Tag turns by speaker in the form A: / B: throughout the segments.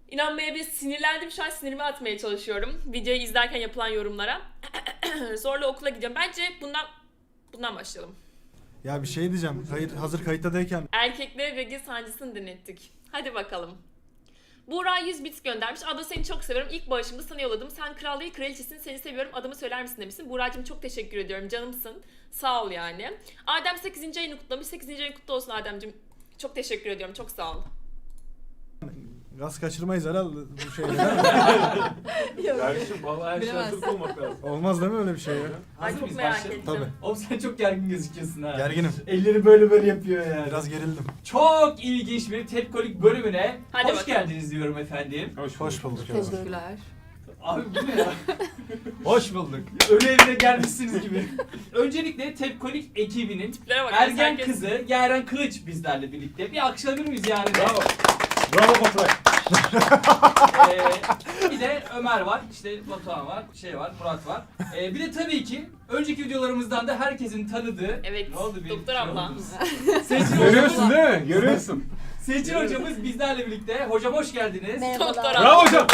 A: İnanmayabilir, sinirlendim, şu an sinirimi atmaya çalışıyorum videoyu izlerken yapılan yorumlara. Zorla okula gideceğim. Bence bundan başlayalım.
B: Ya bir şey diyeceğim. Hazır kayıttayken
A: Erkeklere regl sancısını denettik. Hadi bakalım. Buğra 100 bit göndermiş. Abla seni çok seviyorum. İlk bağışımda sana yolladım. Sen kral değil kraliçesin. Seni seviyorum. Adımı söyler misin demişsin. Buğra'cığım çok teşekkür ediyorum. Canımsın. Sağ ol yani. Adem 8. ayını kutlamış. 8. ayın kutlu olsun Adem'cim. Çok teşekkür ediyorum. Çok sağ ol.
B: gaz kaçırmayız herhalde bu şeyler.
C: Kardeşim vallahi her şey hazır olmak lazım.
B: Olmaz değil mi öyle bir şey ya?
A: Ay
C: Hazır
A: çok
C: mıyız?
A: merak
C: Başlayalım.
A: ettim.
B: Tabii.
C: Oğlum sen çok gergin gözüküyorsun ha.
B: Gerginim.
C: Elleri böyle yapıyor yani.
B: Biraz gerildim.
C: Çok ilginç bir tepkolik bölümüne
A: Hadi
C: hoş
A: bakalım.
C: geldiniz diyorum efendim.
B: Hoş bulduk.
D: Teşekkürler.
C: Abi bu ne ya? Hoş bulduk. Ölü evine gelmişsiniz gibi. Öncelikle Tepkolik ekibinin
A: Tiplere bak.
C: ergen
A: herkes-
C: kızı Yaren Kılıç bizlerle birlikte. Bir alkışlanır mıyız yani?
E: Bravo. Bravo Baturay.
C: Bir de Ömer var, işte Batuhan var, Murat var. Bir de tabii ki önceki videolarımızdan da herkesin tanıdığı...
A: Evet,
C: Ne oldu bir
A: doktor
C: şey
A: abla.
C: oldu? Seçil
E: Görüyorsun
C: hocamız,
E: değil mi? Görüyorsun.
C: Seçil hocamız bizlerle birlikte. Hocam hoş geldiniz.
A: Doktor abla.
E: Bravo hocam.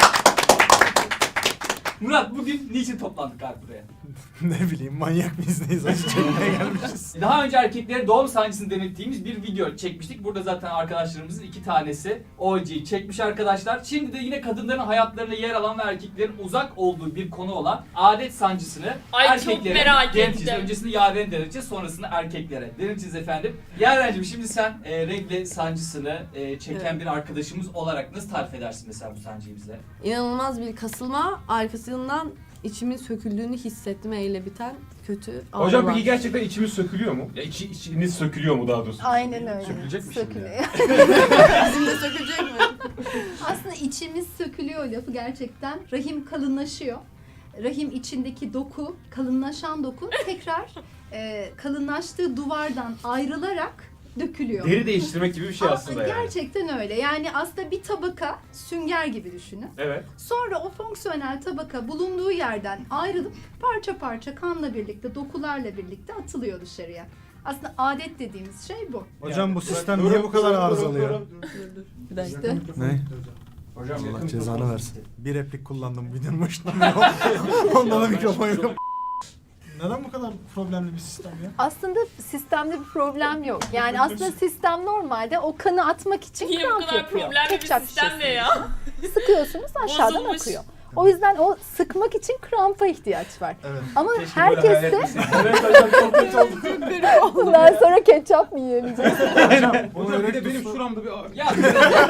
C: Murat bugün niçin toplandık abi buraya?
B: Ne bileyim manyak mıyız neyiz acı çekmeye gelmişiz.
C: Daha önce erkeklere doğum sancısını denettiğimiz bir video çekmiştik. Burada zaten arkadaşlarımızın 2 tanesi OG'yi çekmiş arkadaşlar. Şimdi de yine kadınların hayatlarında yer alan ve erkeklerin uzak olduğu bir konu olan adet sancısını
A: Ay, çok merak
C: deneteceğiz.
A: ettim.
C: Öncesinde Yaren'e deneteceğiz, sonrasında erkeklere deneteceğiz efendim. Yaren'cim şimdi sen regle sancısını çeken bir arkadaşımız olarak nasıl tarif edersin mesela bu sancıyı bize?
D: İnanılmaz bir kasılma, arkasından içimin söküldüğünü hissettim eyle biten kötü
E: Hocam
D: ağrılar.
E: peki gerçekten içimiz sökülüyor mu? Ya içiniz sökülüyor mu daha doğrusu?
F: Aynen öyle.
E: Sökülecek mi şimdi?
F: Sökülüyor.
D: Bizim de sökülecek mi?
F: Aslında içimiz sökülüyor lafı gerçekten. Rahim kalınlaşıyor. Rahim içindeki doku, kalınlaşan doku tekrar kalınlaştığı duvardan ayrılarak dökülüyor.
E: Deri değiştirmek gibi bir şey aslında yani.
F: Gerçekten öyle. Yani aslında bir tabaka sünger gibi düşünün.
E: Evet.
F: Sonra o fonksiyonel tabaka bulunduğu yerden ayrılıp parça parça kanla birlikte, dokularla birlikte atılıyor dışarıya. Aslında adet dediğimiz şey bu.
B: Hocam bu sistem niye bu kadar arızalıyor?
D: Bir dakika.
B: Ne?
C: Hocam
B: Allah cezanı versin. Bir replik kullandım videonun başında. Ondan da mikrofon yok. Neden bu kadar problemli bir sistem ya?
F: Aslında sistemde bir problem yok. Yani aslında sistem normalde o kanı atmak için
A: Niye bu
F: kramp
A: kadar
F: yapıyor.
A: problemli bir
F: Ketçap
A: sistem ne
F: şişesi.
A: ya?
F: Sıkıyorsunuz aşağıdan
A: Bozulmuş.
F: akıyor. O yüzden o sıkmak için krampa ihtiyaç var.
B: Evet.
F: Ama
E: Keşke böyle hayal
F: herkes de
E: etmeseydim.
C: Evet hocam çok kötü oldu.
F: bundan sonra ketçap mı yiyemeyeceğiz?
E: Hocam bir de benim şuramda bir ağrı.
C: Ya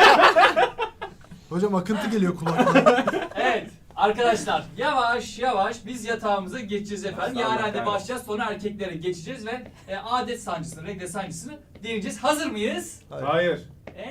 B: Hocam akıntı geliyor kulaktan.
C: evet arkadaşlar yavaş yavaş biz yatağımıza geçeceğiz efendim. Yaren'de başlayacağız, sonra erkeklere geçeceğiz ve adet sancısını, regle sancısını deneyeceğiz. Hazır mıyız?
E: Hayır.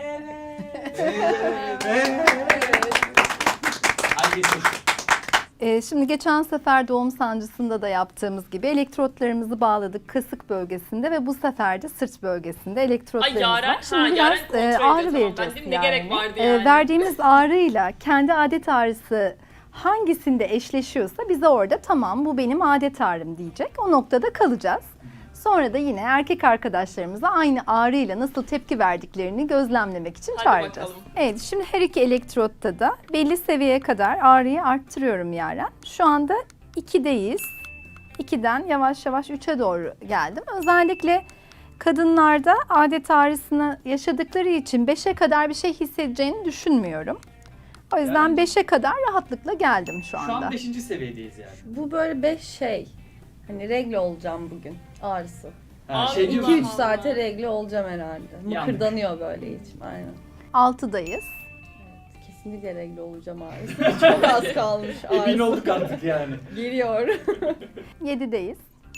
C: Evet. Hadi geçelim.
F: Şimdi geçen sefer doğum sancısında da yaptığımız gibi elektrotlarımızı bağladık kasık bölgesinde ve bu sefer de sırt bölgesinde
A: Ay
F: elektrotlarımız
A: Yaren,
F: var. Şimdi
A: Yaren
F: biraz
A: kontrol
F: ağrı
A: ediyor. Tamam,
F: vereceğiz
A: ben dedim ne gerek
F: yani.
A: vardı yani.
F: Verdiğimiz ağrıyla kendi adet ağrısı hangisinde eşleşiyorsa bize orada tamam bu benim adet ağrım diyecek. O noktada kalacağız. Sonra da yine erkek arkadaşlarımıza aynı ağrıyla nasıl tepki verdiklerini gözlemlemek için
A: Hadi
F: çağıracağız.
A: bakalım.
F: Evet, şimdi her iki elektrotta da belli seviyeye kadar ağrıyı arttırıyorum Yaren. Şu anda 2'deyiz. 2'den yavaş yavaş 3'e doğru geldim. Özellikle kadınlarda adet ağrısını yaşadıkları için 5'e kadar bir şey hissedeceğini düşünmüyorum. O yüzden
C: Yani-
F: 5'e kadar rahatlıkla geldim şu
C: Şu
F: anda.
C: an 5. seviyedeyiz yani.
G: Bu böyle 5 şey. Hani regle olacağım bugün ağrısı.
C: Ha,
A: Abi,
C: şey diyor
A: Allah
G: 2-3
C: musun?
G: saate regle olacağım herhalde.
C: Yanlış.
G: Mıkırdanıyor böyle içim aynen.
F: 6'dayız.
G: Kesinlikle regle olacağım ağrısı. Çok az kalmış
C: Emin
G: ağrısı.
C: olduk artık yani.
G: Geliyor.
F: 7'deyiz.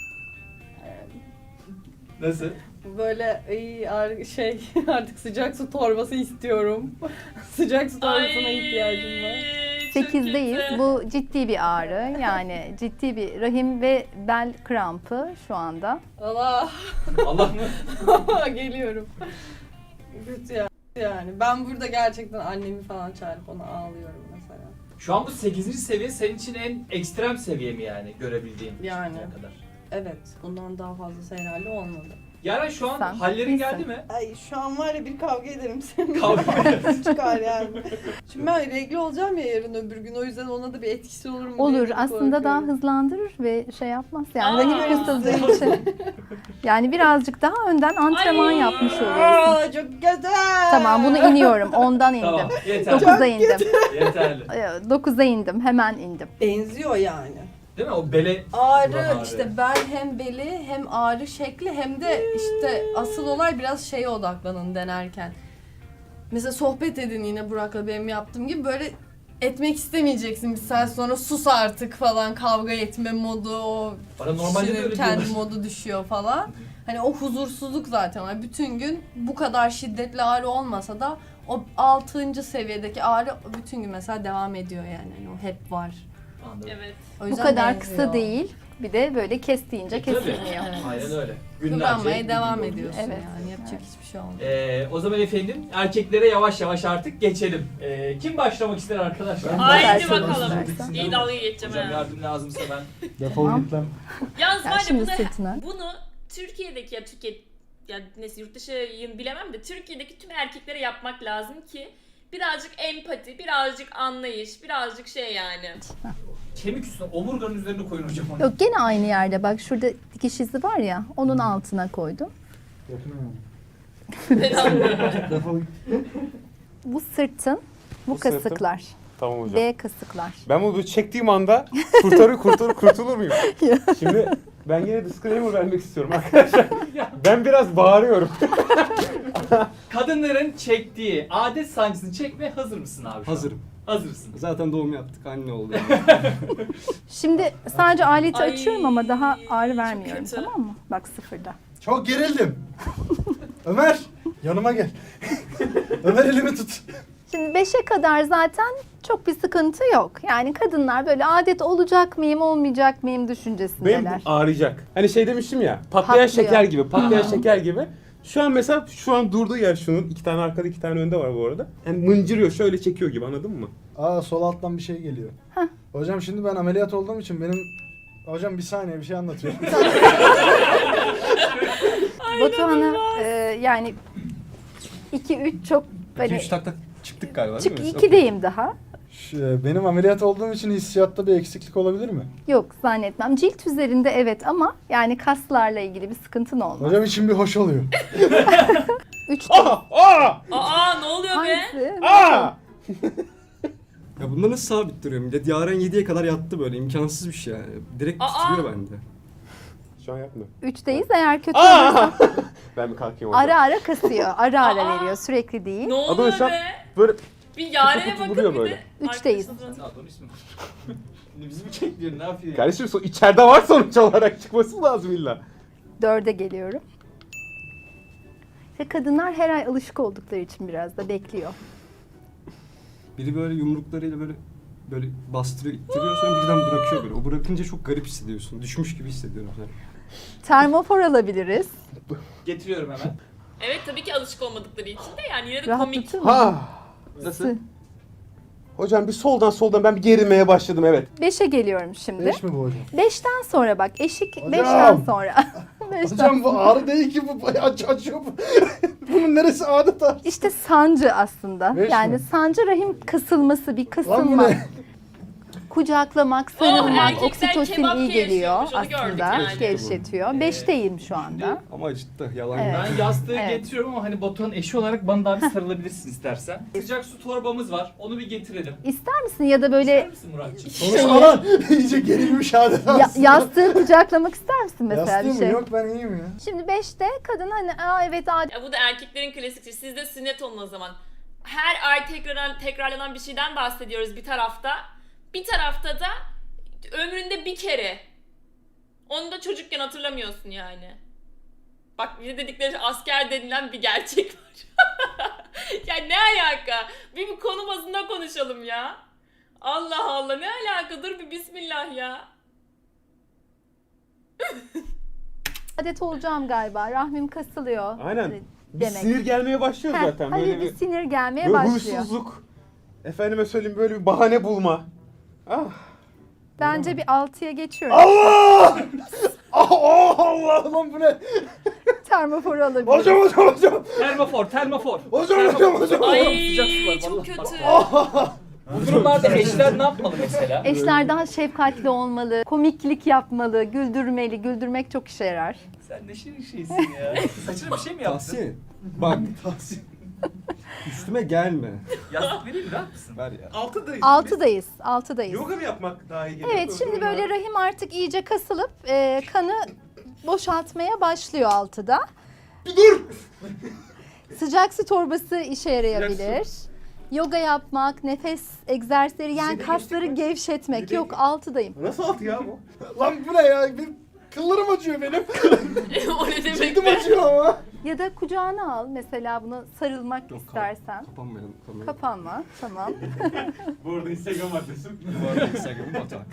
C: Nasıl?
G: Böyle şey artık sıcak su torbası istiyorum. Sıcak su torbasına ihtiyacım var.
A: Çok
F: 8'deyiz.
A: kötü.
F: Bu ciddi bir ağrı. Yani ciddi bir rahim ve bel krampı şu anda.
G: Allah
C: Allah mı?
G: geliyorum. Kötü yani. Ben burada gerçekten annemi falan çağırıp ona ağlıyorum mesela.
C: Şu an bu 8. seviye senin için en ekstrem seviye mi yani görebildiğin?
G: Yani.
C: şimdiye kadar?
G: Evet, bundan daha fazlası herhalde olmadı.
C: Yaren şu an
F: Sen
C: hallerin
F: iyisin.
C: geldi mi?
G: Ay şu an var ya bir kavga ederim seninle.
C: Kavga
G: Çıkar yani. Şimdi ben regl olacağım ya yarın öbür gün, o yüzden ona da bir etkisi olur mu
F: Olur.
G: diye bir
F: Aslında daha
G: korkuyorum.
F: hızlandırır ve şey yapmaz. Yani
A: Aa.
F: rahim kısıldığı için. Yani birazcık daha önden antrenman
A: Ay.
F: yapmış oluyorsun.
G: Aa, çok güzel.
F: Tamam, bunu iniyorum. 10'dan indim.
C: Tamam yeterli.
F: 9'a indim.
C: Yeterli.
F: 9'a indim. Hemen indim.
G: Benziyor yani.
C: Değil mi? O bele
G: Ağrı,
C: Buran ağrı.
G: işte bel hem beli hem ağrı şekli hem de işte asıl olay biraz şeye odaklanın denerken. Mesela sohbet edin yine Burak'la benim yaptığım gibi, böyle etmek istemeyeceksin bir saat sonra, sus artık falan, kavga etme modu, o
C: bana normalde de
G: kişinin
C: öyle
G: kendi
C: diyorlar.
G: modu düşüyor falan. Hani o huzursuzluk zaten var. Bütün gün bu kadar şiddetli ağrı olmasa da o 6. seviyedeki ağrı bütün gün mesela devam ediyor yani. Yani o hep var.
C: Anladım.
A: Evet.
G: O
F: Bu
G: yüzden
F: kadar
G: benziyor.
F: kısa değil. Bir de böyle kestiğince
C: Tabii.
F: kesilmiyor.
G: Evet.
C: Aynen öyle.
G: Kıvranmaya devam
C: gün
G: ediyorsun
F: Evet.
G: yani. Yapacak hiçbir şey olmuyor.
C: O zaman efendim erkeklere yavaş yavaş artık geçelim. Kim başlamak ister arkadaşlar?
F: Haydi
A: Haydi
F: Başlayalım
A: bakalım.
F: istersen.
A: İyi dalga geçeceğim
C: Hocam
A: ha.
C: yardım lazımsa ben.
B: Defol
F: Tamam.
B: git lan.
A: Yalnız
F: Ya
A: var ya
F: şimdi
A: bunu,
F: sırtına.
A: bunu Türkiye'deki ya neyse yurt dışını bilemem de Türkiye'deki tüm erkeklere yapmak lazım ki birazcık empati, birazcık anlayış, birazcık şey yani.
C: Kemik üstüne omurganın üzerine koyun hocam onu.
F: Yok, gene aynı yerde. Bak şurada dikiş izi var ya. Onun altına koydum.
B: Defol git.
F: Bu sırtın, bu
E: Bu sırtım.
F: kasıklar.
E: Tamam hocam.
F: B kasıklar.
E: Ben bunu böyle çektiğim anda kurtulur muyum? Şimdi ben yine disclaimer vermek istiyorum arkadaşlar. Ben biraz bağırıyorum.
C: Kadınların çektiği adet sancısını çekmeye hazır mısın abi? şu an?
H: Hazırım.
C: Hazırsın.
H: Zaten doğum yaptık, anne oldu.
F: Şimdi sadece aleti
A: Ay,
F: açıyorum ama daha ağrı
A: çok
F: vermiyorum,
A: kötü.
F: tamam mı? Bak, sıfırda.
B: Çok gerildim. Ömer yanıma gel. Ömer elimi tut.
F: Şimdi 5'e kadar zaten çok bir sıkıntı yok. Yani kadınlar böyle adet olacak mıyım, olmayacak mıyım
E: Benim
F: düşüncesindeler.
E: ağrıyacak. Hani şey demiştim ya, patlayan
F: Patlıyor.
E: şeker gibi, patlayan şeker gibi. Şu an mesela durduğu yer şunun, 2 tane arkada 2 tane önde var bu arada. Yani mıncırıyor, şöyle çekiyor gibi, anladın mı?
B: Aa, sol alttan bir şey geliyor. Hocam şimdi ben ameliyat olduğum için benim... Hocam bir saniye, bir şey anlatıyorum.
F: Batuhan'a yani 2-3 çok hani
H: 2-3 tak çıktık galiba değil mi?
F: 2'deyim daha.
B: Benim ameliyat olduğum için hissiyatta bir eksiklik olabilir mi?
F: Yok, zannetmem. Cilt üzerinde evet ama yani kaslarla ilgili bir sıkıntın olmaz.
B: Hocam için bir hoş oluyor.
F: 3'te.
A: Aa ne oluyor be?
F: Hangisi?
H: Ya bunda nasıl sabit duruyor millet? Yaren 7'ye kadar yattı böyle, imkansız bir şey yani. Direkt
A: Aa!
H: titriyor bende.
E: Şu an yapma.
F: 3'teyiz, eğer kötü olursa
E: Ben bir kalkayım hocam.
F: ara ara kasıyor. Ara ara
A: Aa!
F: veriyor, sürekli değil.
A: Ne
E: Adam
A: oluyor
E: şu an
A: be?
E: böyle
A: Bir Yaren'e
E: kutu
A: bakın
E: duruyor
A: bir
E: böyle.
A: de.
F: Üçteyiz.
A: Arkadaşınızın-
C: Ne yapalım ismi? Şimdi bizi mi çekliyor, ne yapıyor?
E: kardeşim içeride var sonuç olarak, çıkması lazım illa.
F: 4'e geliyorum. İşte kadınlar her ay alışık oldukları için biraz da bekliyor.
H: Biri böyle yumruklarıyla böyle bastırıyor, ittiriyor, sonra birden bırakıyor böyle. O bırakınca çok garip hissediyorsun. Düşmüş gibi hissediyorum sen.
F: Termofor alabiliriz.
C: Getiriyorum hemen.
A: Evet tabii ki alışık olmadıkları için de yani yine de komik.
F: Rahatlatır mı?
E: Ha.
C: Nasıl?
E: Hocam bir soldan ben bir gerilmeye başladım, evet.
F: 5'e geliyorum şimdi.
B: 5 mi bu hocam?
F: 5'ten sonra bak, eşik
B: Hocam!
F: 5'ten sonra. 5'ten
B: Hocam bu ağrı değil ki, bu bayağı açıyor bu. Bunun neresi adet ağrı?
F: İşte sancı aslında.
B: Beş
F: yani
B: mi?
F: sancı rahim kasılması, bir
B: Lan bu
F: kasılma.
B: ne?
F: Kucaklamak, sarılmak,
A: erkekler
F: oksitosin
A: kebap
F: iyi geliyor
A: gevşiyormuş, onu gördük
F: aslında.
A: yani.
F: Gevşetiyor. 5'teyim şu anda.
H: Ama acıttı, yalan
F: Evet.
H: yok.
C: Ben yastığı
F: Evet.
C: getiriyorum ama hani Batuhan'ın eşi olarak bana daha bir sarılabilirsin istersen. Sıcak su torbamız var. Onu bir getirelim.
F: İster misin ya da
C: İster
F: böyle
C: misin Muratcığım?
B: Konuşma lan. İyice gerilmiş adet aslında.
F: yastığı kucaklamak ister misin mesela
B: Yastığı
F: bir
B: mı?
F: şey?
B: Yok, ben iyiyim ya.
F: Şimdi 5'te kadın hani evet
A: Ya bu da erkeklerin klasikçi. Siz de sünnet olun o zaman. Her ay tekrarlanan bir şeyden bahsediyoruz bir tarafta. Bir tarafta da ömründe bir kere. Onu da çocukken hatırlamıyorsun yani. Bak bir de dedikleri asker denilen bir gerçek var. Ya ne alaka? Bir konu bazında konuşalım ya. Allah Allah, ne alaka? Dur bir bismillah ya.
F: adet olacağım galiba. Rahmim kasılıyor.
E: Aynen. Bir
F: Demek.
E: sinir gelmeye başlıyor
F: Heh,
E: zaten.
F: hani
E: Böyle
F: bir sinir gelmeye
E: böyle
F: başlıyor.
E: huysuzluk. Efendime söyleyeyim, böyle bir bahane bulma. Ah.
F: Bence bir 6'ya geçiyorum.
B: Allah! Allah lan, bu ne?
F: termoforu alabiliriz.
B: Hocam.
C: Termofor.
B: Hocam.
A: Ay
C: Sıcak su var,
A: çok
C: vallahi.
A: kötü.
C: Bu durumlarda eşler ne yapmalı mesela?
F: Eşler daha şefkatli olmalı, komiklik yapmalı, güldürmeli. Güldürmek çok işe yarar.
C: Sen ne şirin şeysin ya. Saçına bir şey mi yaptın?
H: Tahsin. Bak. Üstüme gelme.
C: Yastık vereyim mi? Rahat mısın?
H: Ver ya.
F: Altıdayız.
E: Yoga mı yapmak daha iyi geliyor?
F: Evet, şimdi böyle rahim artık iyice kasılıp kanı boşaltmaya başlıyor altıda.
E: Dur!
F: Sıcak su torbası işe yarayabilir. Yoga yapmak, nefes egzersizleri yani
E: Bize de
F: kasları
E: geçtik mi?
F: gevşetmek.
E: Bir de-
F: Yok, altıdayım.
E: Nasıl altı ya bu?
B: Lan bu ne ya? Benim kıllarım acıyor benim.
A: O ne demek
B: Cildim
A: be?
B: acıyor ama.
F: Ya da kucağına al mesela, buna sarılmak
H: Yok,
F: istersen.
H: Kapanmayalım.
F: Kapanma, tamam.
E: Bu arada Instagram adresim.
H: Bu arada Instagram'ı batak.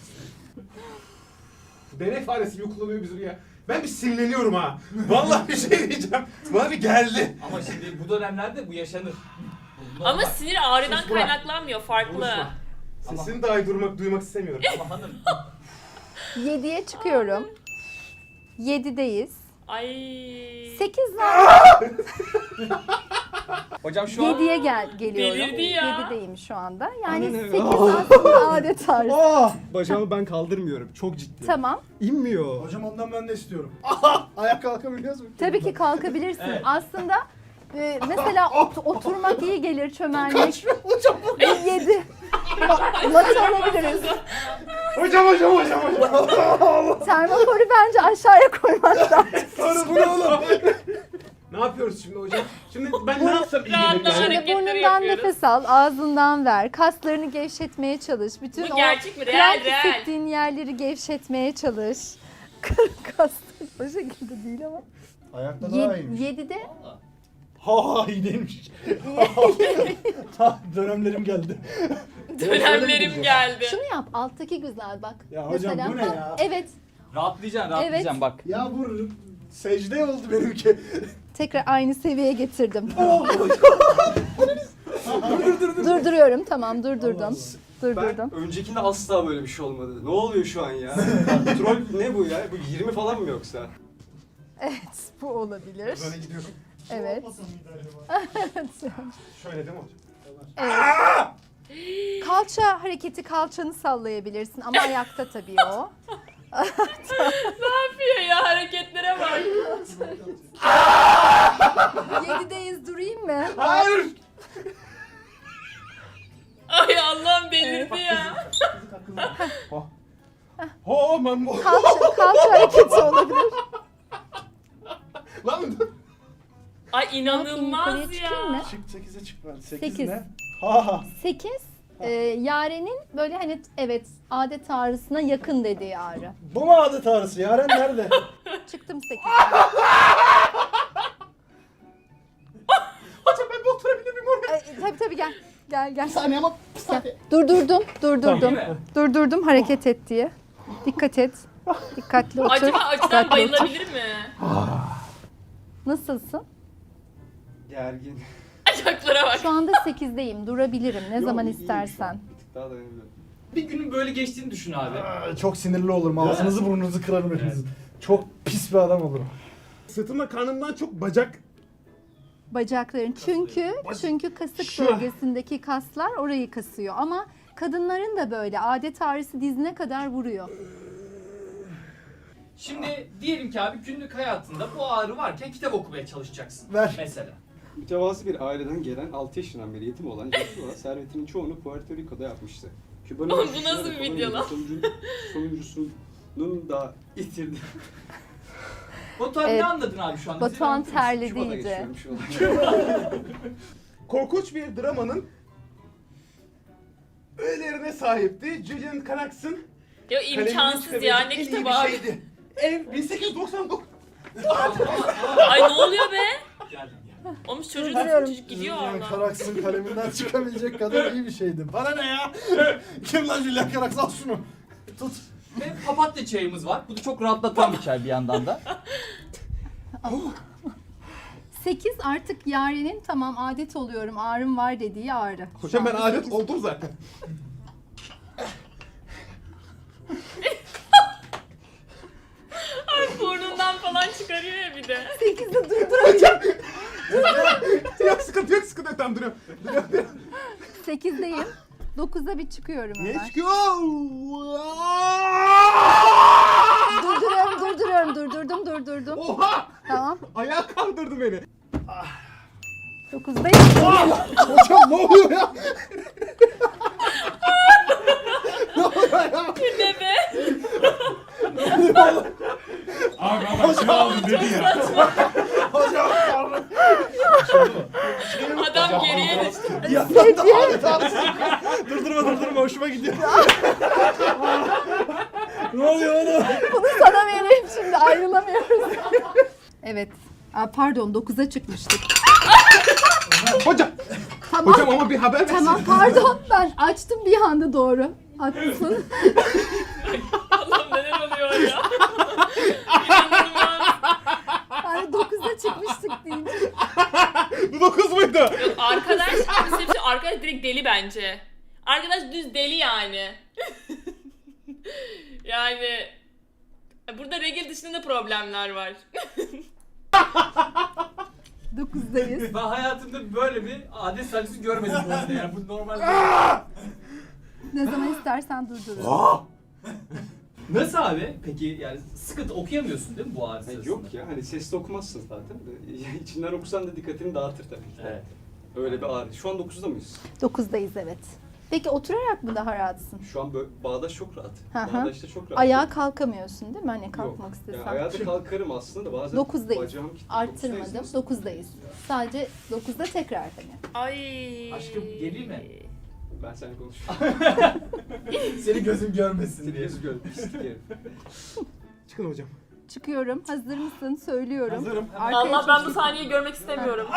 E: Deney faresi gibi kullanıyor bizim ya. Ben bir sinirleniyorum ha. Vallahi bir şey diyeceğim. Bana bir geldi.
C: Ama şimdi bu dönemlerde bu yaşanır. Bu
A: Ama
C: normal.
A: sinir ağrıdan
E: Sus, bırak.
A: kaynaklanmıyor, farklı.
E: Konuşma. Sesini dahi duymak istemiyorum.
C: Ama hanım
F: 7'ye çıkıyorum. 7'deyiz.
A: Ay.
F: 8 var.
C: hocam şu an
F: 7'ye geliyorum.
A: Delirdi ya.
F: 7'deyim şu anda. Yani
H: Anne ne?
F: 8 aslında adet ağrısı.
B: Ah!
H: Bacağımı ben kaldırmıyorum. Çok ciddi.
F: Tamam.
H: İnmiyor.
B: Hocam ondan ben de istiyorum. Aha! Ayak kalkabiliyoruz mu?
F: Tabii ki kalkabilirsin.
C: Evet.
F: Aslında mesela oturmak iyi gelir, çömelmek.
B: Hocam bu.
F: 7. Mat alabiliriz.
E: Hocam.
F: Termoforu bence aşağıya koymak lazım.
B: Sonra bu ne oğlum?
E: Ne yapıyoruz şimdi hocam? Şimdi ben ne yapsam iyi gelir
A: Rahatlama
E: yani?
A: hareketleri
F: Burnundan
A: yapıyoruz.
F: nefes al, ağzından ver. Kaslarını gevşetmeye çalış. Bütün
A: Bu
F: o
A: gerçek mi?
F: kramp
A: Real, real.
F: hissettiğin yerleri gevşetmeye çalış. Kaslar o şekilde değil ama.
B: Ayakta daha iyiymiş.
F: 7'de
B: Ha iyi değilmiş. Ha dönemlerim geldi.
A: Dönemlerim geldi.
F: şunu yap. Alttaki güzel bak.
B: Ya hocam bu ne ya?
F: Evet.
C: rahatlayacaksın bak.
B: Ya bu secde oldu benimki.
F: Tekrar aynı seviyeye getirdim. Durduruyorum. Tamam, durdurdum. Durdurdum.
H: Ben öncekinde asla böyle bir şey olmadı. Ne oluyor şu an ya? Troll ne bu ya? Bu 20 falan mı yoksa?
F: Evet, bu olabilir.
E: Böyle gidiyorum.
F: Evet.
E: Şöyle değil mi hocam?
F: Evet. Kalça hareketi, kalçanı sallayabilirsin ama ayakta tabii o.
A: Ne yapıyor ya, hareketlere bak.
F: 7'deyiz, durayım mı?
E: Hayır!
A: Ay Allah'ım delirdi ya.
E: Ho ben bu.
F: Kalça hareketi olabilir.
E: Lan
A: Ay
F: Ne yapayım, yukarıya
A: inanılmaz
F: çıkayım mı?
A: ya.
B: Çık 8'e çık ben. 8
F: Sekiz.
B: ne? Ha.
F: 8, Yaren'in böyle hani evet adet ağrısına yakın dediği ağrı.
B: Bu mu adet ağrısı? Yaren nerede?
F: Çıktım 8.
E: hocam ben bir oturabilir miyim oraya?
F: Tabii gel. Gel.
B: Bir saniye ama bir saniye.
F: Durdurdum.
C: Değil mi?
F: Durdurdum hareket et diye. Dikkat et. Dikkatli otur.
A: Acaba acıdan
F: Dikkatli otur.
A: bayılabilir mi?
F: Nasılsın?
H: Gergin.
A: Ayaklara bak.
F: Şu anda 8'deyim. Durabilirim ne
H: Yok,
F: zaman
H: iyiyim şu
F: istersen.
H: an. Bir tık daha dayanabiliyorum.
C: Bir günün böyle geçtiğini düşün abi.
B: Çok sinirli olurum. Ağzınızı burnunuzu kırarım hepinizin. Çok pis bir adam olurum.
E: Sırtımda karnımdan çok bacak.
F: Bacakların. Çünkü kasık
E: Şu.
F: bölgesindeki kaslar orayı kasıyor. Ama kadınların da böyle adet ağrısı dizine kadar vuruyor.
C: Şimdi diyelim ki abi günlük hayatında bu ağrı varken kitap okumaya çalışacaksın.
B: Ver.
C: Mesela.
H: Mütevazı bir aileden gelen 6 yaşından beri yetim olan Joshua servetinin çoğunu Puerto Rico'da yapmıştı. Küba'nın
A: Oğlum bu
H: başçısına
A: nasıl bir
H: ve
A: video lan?
H: sonuncusunun da itirdi.
C: Batuhan
F: Evet.
C: ne anladın abi şu anda?
F: Batuhan
C: Bize
F: terledi
H: Küba'da
F: iyice.
H: geçiyorum şu an.
E: Korkunç bir dramanın öğelerine sahipti. Julian Carax'ın
A: Ya
E: kalemini
A: imkansız ya, ne
E: çıkarabilecek en iyi
A: kitabı
E: bir
A: abi.
E: şeydi. Ev 1899.
A: Ay ne oluyor be?
C: Geldim ya.
A: Olmuş çocuğun
F: Durduruyorum.
A: çocuk gidiyor
B: Julian
A: oradan.
B: Carax'ın kaleminden çıkabilecek kadar iyi bir şeydi. Bana ne ya? Kim lan Julian Carax? Al şunu. Tut.
C: Ve papatya çayımız var. Bu da çok rahatlatan bir çay bir yandan da.
F: 8 artık Yaren'in tamam adet oluyorum ağrım var dediği ağrı.
E: Hocam ben
F: Şu anda
E: adet
F: 8.
E: oldum zaten.
A: Burnundan falan çıkarıyor ya bir de.
D: 8'de durduracağım.
B: Yok sıkıntı yok sıkıntı yok. Tamam duruyorum.
F: 8'deyim. 9'da bir çıkıyorum
B: Ne
F: hemen.
B: çıkıyor?
F: Durdurdum.
B: Oha!
F: Tamam.
B: Ayağa kaldırdı beni.
F: 9'dayım.
B: Hocam ne oluyor ya? Ne oluyor ya?
A: Ne be?
E: Abi ama şunu aldım dedi ya.
B: Hocam
A: Adam geriye düştü.
B: ya. Durdurma hoşuma gidiyor. Ne oluyor oğlum?
F: Bunu sana vereyim şimdi, ayrılamıyoruz. Evet. Aa, pardon 9'a çıkmıştık.
B: Hocam.
F: Tamam.
B: Hocam ama bir haber versin.
F: Tamam pardon, ben açtım bir anda, doğru. Haklısın.
A: Allah'ım neler oluyor ya? İnanılmaz.
F: Yani 9'a çıkmıştık deyince.
B: Bu 9 muydu?
A: Yok arkadaş, arkadaş direkt deli bence. Arkadaş düz deli yani. Yani burada regl dışında da problemler var.
F: 9'dayız.
C: Ben hayatımda böyle bir adet sancısı görmedim bu arada yani bu normal değil.
F: Ne zaman istersen durdururum.
C: Nasıl abi? Peki yani sıkıntı okuyamıyorsun değil mi bu ağrı
H: Hayır,
C: sırasında?
H: yok ya hani sesli okumazsın zaten. İçinden okusan da dikkatini dağıtır tabii ki.
C: Evet.
H: Öyle bir ağrı. Şu an 9'da mıyız?
F: 9'dayız evet. Peki oturarak mı daha rahatsın?
H: Şu an böyle bağdaş çok rahat.
F: Hı hı.
H: Bağdaşta çok rahat.
F: Ayağa kalkamıyorsun değil mi? Hani kalkmak
H: Yok.
F: istesen.
H: Yani ayağa da kalkarım aslında da bazen
F: 9'dayız.
H: bacağım kilitli.
F: Arttırmadım.
H: 9'dayız.
F: 9'dayız. Sadece 9'da tekrar hani.
A: Ay.
C: Aşkım geleyim mi?
H: Ben seninle konuşuyorum.
C: Seni gözüm görmesin
H: Seni
C: diye.
H: yüzü gör. Pislik herif.
B: Çıkın hocam.
F: Çıkıyorum. Hazır mısın? Söylüyorum.
B: Hazırım.
F: Arkaya
A: Allah ben bu
F: çekil.
A: sahneyi görmek istemiyorum.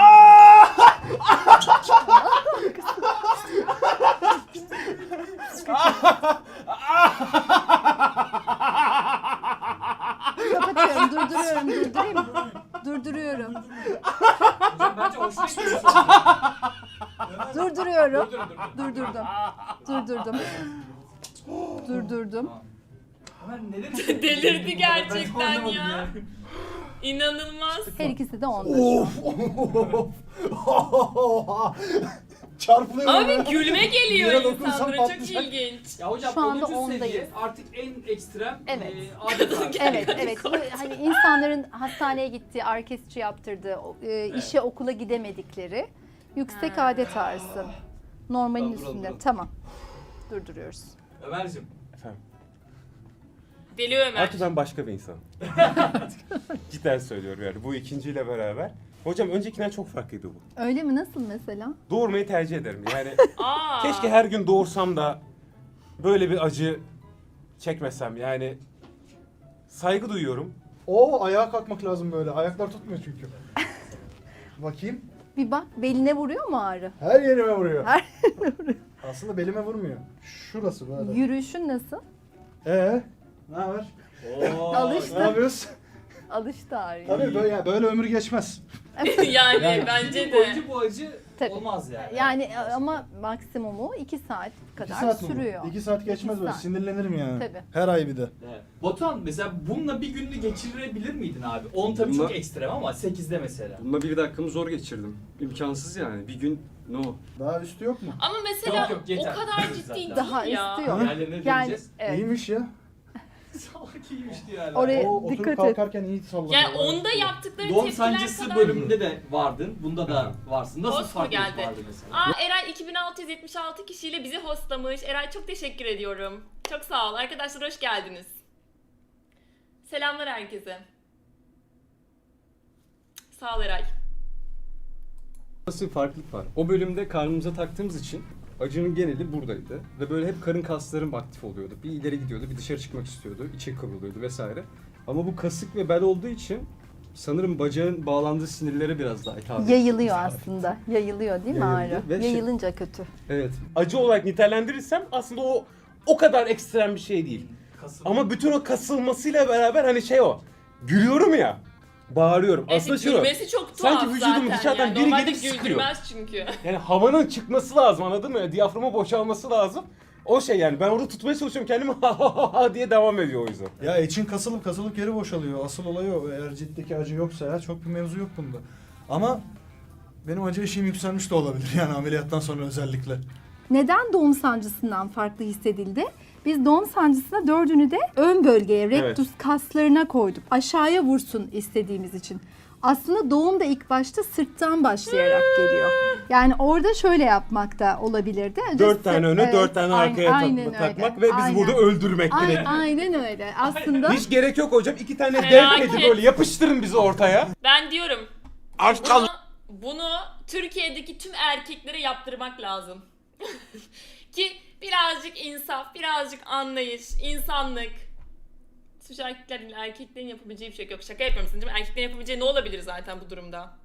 F: Kapatıyorum. Durduruyorum.
C: Hocam bence hoşuna gidiyor.
F: Durduruyorum.
C: Dur.
F: Durdurdum.
C: Tamam. Ömer neden?
A: Delirdi gerçekten
C: Ben anlamadım
A: ya.
C: yani.
A: İnanılmaz.
F: Her ikisi de 10'da.
B: Çarpılıyor.
A: Abi gülme geliyor
B: Yere dokunsam
A: insanlara, çok
B: patlayacak.
A: ilginç.
C: Ya hocam
F: Şu anda
C: 10.
F: 10'dayız.
C: seviye artık en ekstrem
F: Evet.
C: adet ağrı.
F: Evet. Bu hani insanların hastaneye gittiği, orkestra yaptırdığı, işe okula gidemedikleri yüksek adet ağrısı. Normalin
H: Ben buralı,
F: üstünde.
H: buralı.
F: Tamam. Durduruyoruz.
C: Ömer'cim.
E: Efendim.
A: Deli Ömer.
E: Artık ben başka bir insanım. Cidden söylüyorum yani bu ikinciyle beraber. Hocam öncekinden çok farklıydı bu.
F: Öyle mi? Nasıl mesela?
E: Doğurmayı tercih ederim. Yani
A: Aa.
E: keşke her gün doğursam da böyle bir acı çekmesem. Yani saygı duyuyorum.
B: Oo ayağa kalkmak lazım böyle. Ayaklar tutmuyor çünkü. Bakayım.
F: Bir bak, beline vuruyor mu ağrı?
B: Her yerime vuruyor.
F: Her
B: Aslında belime vurmuyor. Şurası böyle.
F: Yürüyüşün nasıl?
B: Ne haber?
C: Oo.
F: Alıştı.
B: Ne yapıyoruz?
F: Alıştı ağrıya.
B: Tabii böyle, yani böyle ömür geçmez.
A: Yani bence
C: Bir gün boyunca
A: de.
C: bu acı
F: Tabii.
C: olmaz yani.
F: Yani ama maksimumu 2 saat
B: 2
F: kadar
B: saat mi bu?
F: sürüyor.
B: 2 saat geçmez
F: 2
B: böyle.
F: saat.
B: Sinirlenirim yani.
F: Tabii.
B: Her ay bir de.
C: Evet. Batuhan mesela bununla bir gününü geçirebilir miydin abi? 10 tabii çok
H: Bununla-
C: ekstrem ama 8'de mesela.
H: Bununla 1 dakikamı zor geçirdim. İmkansız yani. Bir gün no.
B: Daha üstü yok mu?
A: Ama mesela
C: Yok, yeter.
A: o kadar ciddi
C: Zaten.
A: değil
F: Daha
A: ya.
F: üstü yok.
C: Yani ne
F: Yani
C: diyeceğiz?
F: evet.
B: İyiymiş ya.
C: Salak iyiymişti yani.
F: Oraya
B: O oturup
F: dikkat et.
B: kalkarken iyi sallanıyor.
A: Yani onda yaptıkları
C: Doğum
A: tepkiler
C: sancısı
A: kadar...
C: bölümünde de vardın. Bunda da varsın. Nasıl
A: Host mu
C: farklılık
A: geldi?
C: vardı mesela?
A: Aa Eray 2676 kişiyle bizi hostlamış. Eray çok teşekkür ediyorum. Çok sağ ol. Arkadaşlar hoş geldiniz. Selamlar herkese. Sağ ol Eray.
H: Nasıl bir farklılık var? O bölümde karnımıza taktığımız için acının geneli buradaydı. Ve böyle hep karın kaslarım aktif oluyordu. Bir ileri gidiyordu, bir dışarı çıkmak istiyordu, içe kıvrılıyordu vesaire. Ama bu kasık ve bel olduğu için sanırım bacağın bağlandığı sinirlere biraz daha hitap ediyor.
F: Yayılıyor aslında. Yayılıyor değil mi
H: Yayılıyor
F: ağrı?
H: ve
F: Yayılınca kötü.
H: Evet.
E: Acı olarak nitelendirirsem aslında o kadar ekstrem bir şey değil. Ama bütün o kasılmasıyla beraber hani şey o. Gülüyorum ya. Bağırıyorum. Aslında şu.
A: gülmesi çok tuhaf
E: sanki vücudumun
A: zaten
E: dışarıdan
A: yani.
E: biri
A: Normalde
E: gelip sıkıyor.
A: güldürmez çünkü.
E: Yani havanın çıkması lazım, anladın mı? Diyaframın boşalması lazım. O şey yani ben orada tutmaya çalışıyorum kendimi ha ha ha diye devam ediyor o yüzden.
B: Ya için kasılıp geri boşalıyor. Asıl olay o. Eğer ciddeki acı yoksa ya çok bir mevzu yok bunda. Ama benim acı eşiğim yükselmiş de olabilir yani ameliyattan sonra özellikle.
F: Neden doğum sancısından farklı hissedildi? Biz doğum sancısına 4'ünü de ön bölgeye, rektus kaslarına koyduk. Aşağıya vursun istediğimiz için. Aslında doğum da ilk başta sırttan başlayarak geliyor. Yani orada şöyle yapmak da olabilirdi.
E: 4 tane öne,
F: Evet,
E: 4 tane arkaya
F: aynen öyle.
E: takmak ve bizi
F: Aynen.
E: burada öldürmek direkt.
F: Aynen öyle. Aslında
E: Hiç gerek yok hocam. 2 tane dev
A: Felaket.
E: kedi böyle yapıştırın bizi ortaya.
A: Ben diyorum
E: Aç kal.
A: bunu Türkiye'deki tüm erkeklere yaptırmak lazım. Ki birazcık insaf, birazcık anlayış, insanlık. Suç erkeklerin yapabileceği bir şey yok. Şaka yapıyorum, değil mi? Erkeklerin yapabileceği ne olabilir zaten bu durumda?